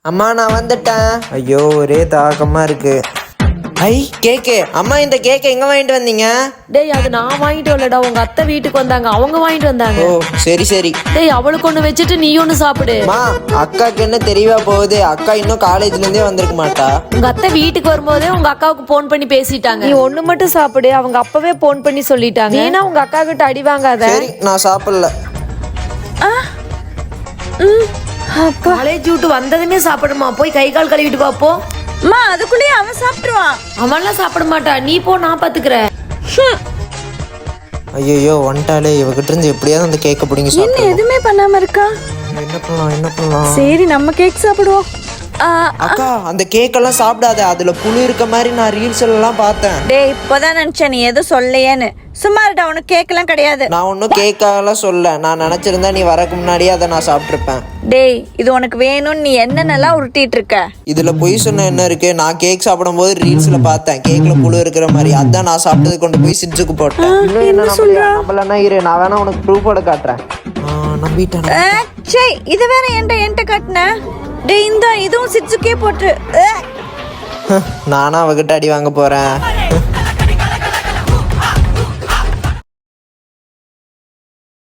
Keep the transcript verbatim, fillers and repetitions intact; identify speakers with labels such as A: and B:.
A: அம்மா நான் வந்துட்டேன். ஐயோ ஒரே தாகமா இருக்கு. ஐ கேக்கு. அம்மா இந்த கேக் எங்க வாங்கிட்டு வந்தீங்க?
B: டேய் அது நான் வாங்கிட்டு வரலடா, உங்க அத்தை வீட்டுக்கு வந்தாங்க, அவங்க வாங்கிட்டு வந்தாங்க.
A: ஓ சரி சரி.
B: டேய் அவளுக்கு ஒண்ணு வச்சுட்டு நீ ஒண்ணு சாப்பிடு.
A: அம்மா அக்காக்கு என்ன தெரியவா போகுது? அக்கா இன்னும் காலேஜ்ல இருந்தே வந்திருக்க மாட்டா.
B: உங்க அத்தை வீட்டுக்கு வரும்போதே உங்க அக்காவுக்கு போன் பண்ணி பேசிட்டாங்க. நீ ஒண்ணு மட்டும் சாப்பிடு, அவங்க அப்பவே போன் பண்ணி சொல்லிட்டாங்க. ஏன்னா உங்க அக்கா கிட்ட அடி வாங்காத.
A: சரி நான் சாப்பிடல.
B: காலேஜ் விட்டு வந்ததுமே சாப்பிடுமா, போய் கை கால் கழுவிட்டு பாப்போ.
C: அம்மா அதுக்குள்ளேயே அவன் சாப்பிட்டுருவான்.
B: அவன்லாம் சாப்பிட மாட்டா, நீ போ நான் பாத்துக்கிறேன்.
A: ஐயோ வந்துட்டாலே, இவகிட்ட இருந்து எப்படியாவது அந்த கேக்க பிடிங்க
C: என்ன
A: சாப்பிடணும்.
C: எதுவுமே பண்ணாம இருக்கா?
A: என்ன பண்ணலாம் என்ன பண்ணலாம்?
C: சரி நம்ம கேக் சாப்பிடுவோம். ஆ,
A: அக்கா அந்த கேக் எல்லாம் சாப்பிடாத, அதுல புழு இருக்க மாதிரி நான் ரீல்ஸ் எல்லாம் பார்த்தேன்.
C: டேய் இப்போதான் நினைச்சேன் நீ எதுவும் சொல்லையேன்னு. சும்மா இருடா, உனக்கு கேக் எல்லாம் கிடையாது.
A: நான் ஒன்னும் கேக்காகலாம் சொல்ல, நான் நினைச்சிருந்தா நீ வரக்கு முன்னாடியே அதை நான் சாப்பிட்டுருப்பேன்.
C: டேய் இது உனக்கு வேணும்னு நீ என்னென்னலாம் உருட்டிட்டு இருக்க?
A: இதுல பொய் சொன்ன என்ன இருக்கு? நான் கேக் சாப்பிடும் போது ரீல்ஸ்ல பார்த்தேன் கேக்ல புழு இருக்கிற மாதிரி, அதான் நான் சாப்பிட்டது கொண்டு போய் சிரிச்சுக்கு போட்டேன். இன்னும் என்ன நம்மளனா இரு, நான் வேணா உனக்கு ப்ரூஃபோட காட்டுறேன். நம்பிட்டேன்.
C: சே இது வேற என்கிட்ட என்கிட்ட காட்டின. டேய் இந்த இதுவும் சிட்சுக்கே போட்டு.
A: நானா அவகிட்ட அடி வாங்க போறேன்.